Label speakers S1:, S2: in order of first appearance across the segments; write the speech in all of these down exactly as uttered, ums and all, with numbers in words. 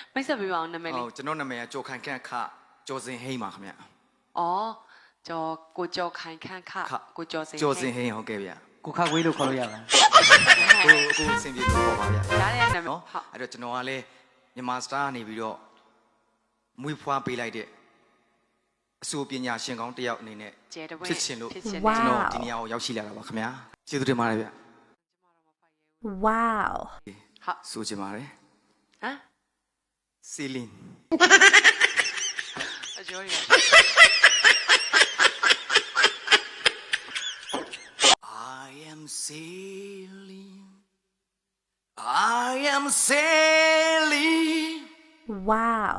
S1: မိတ်ဆက်ပေးပါအောင်နာမည်လေး
S2: ဟုတ်ကျွန်တော်နာမည်ကကျော်ခိုင်ခန့်ခကျော်စင်ဟိန်းပါခင်ဗျ
S1: အော်ကျော်ကိုကျော်ခိုင်ခန့်ခကိုကျော်စင်
S2: ကျော်စင်ဟိန်းဟုတ်ကဲ့ဗျ
S3: ကိုခါခွေးလို့ခေါ်လို့ရလား
S2: ကိုကိုအဆင်ပြေလို့ခေါ်ပါဗျ
S1: ဒါတဲ့နာမည်
S2: နော်အဲ့တော့ကျွန်တော်ကလည်းမြန်မာစတာကနေပြီးတော့မွေးဖွားပေးလိုက်တဲ့အဆိုပညာရှင်ကောင်းတယောက်အနေနဲ့ဖြစ်ချင်လို့ကျွန်တော်ဒီနေရာကိုရောက်ရှိလာတာပါခင်ဗျာကျေးဇူးတင်ပါတယ်ဗျ
S4: Wow
S1: ဟာ
S2: ဆိုချင်ပါတယ်
S1: ဟမ်
S2: စီလင်း
S1: အကျော်ရ
S2: I am sailing I am sailing
S4: Wow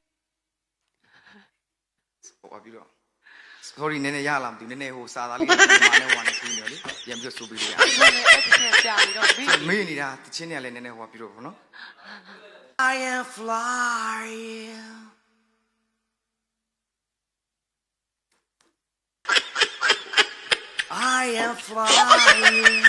S2: ဟိုပါပြီးတော့ sorry နည်းနည်းရလားမသိဘူးနည်းနည်းဟိုစာသားလေးဒီမှာနဲ့ဟိုကနေပြီးနေလေပြန်ပြီးဆိုပြီးလို့ရ
S1: အဲ့ဒါနဲ့အဲ့ဒီကြာပြီးတော့မေး
S2: မေးနေတာတချင်းတွေကလည်းနည်းနည်းဟိုပါပြီးတော့ဘောနော် I am flying I am flying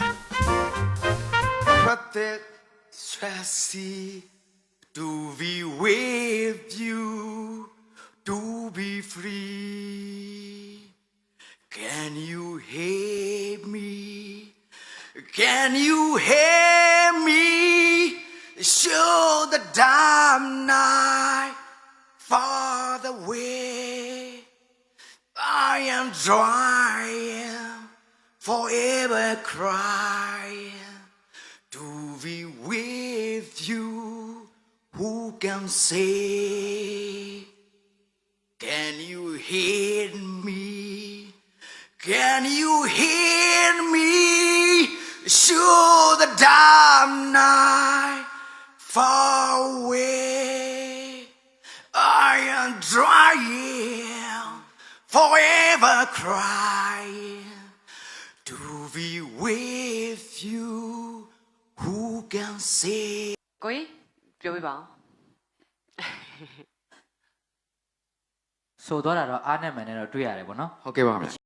S2: but that stressy to be with you to be free can you hear me can you hear me show the damn night far away I am trying forever crying to be with you who can say can you hear me can you hear me show the damn night far away I am trying forever crying to be with you who can say
S1: ကိုကြီးပြောပြပါဦး
S3: ဆိုတော့တော့အားနဲ့မှန်နဲ့တော့တွေ့ရတယ်ဗောနော်
S2: ဟုတ်ကဲ့ပါခင်ဗျ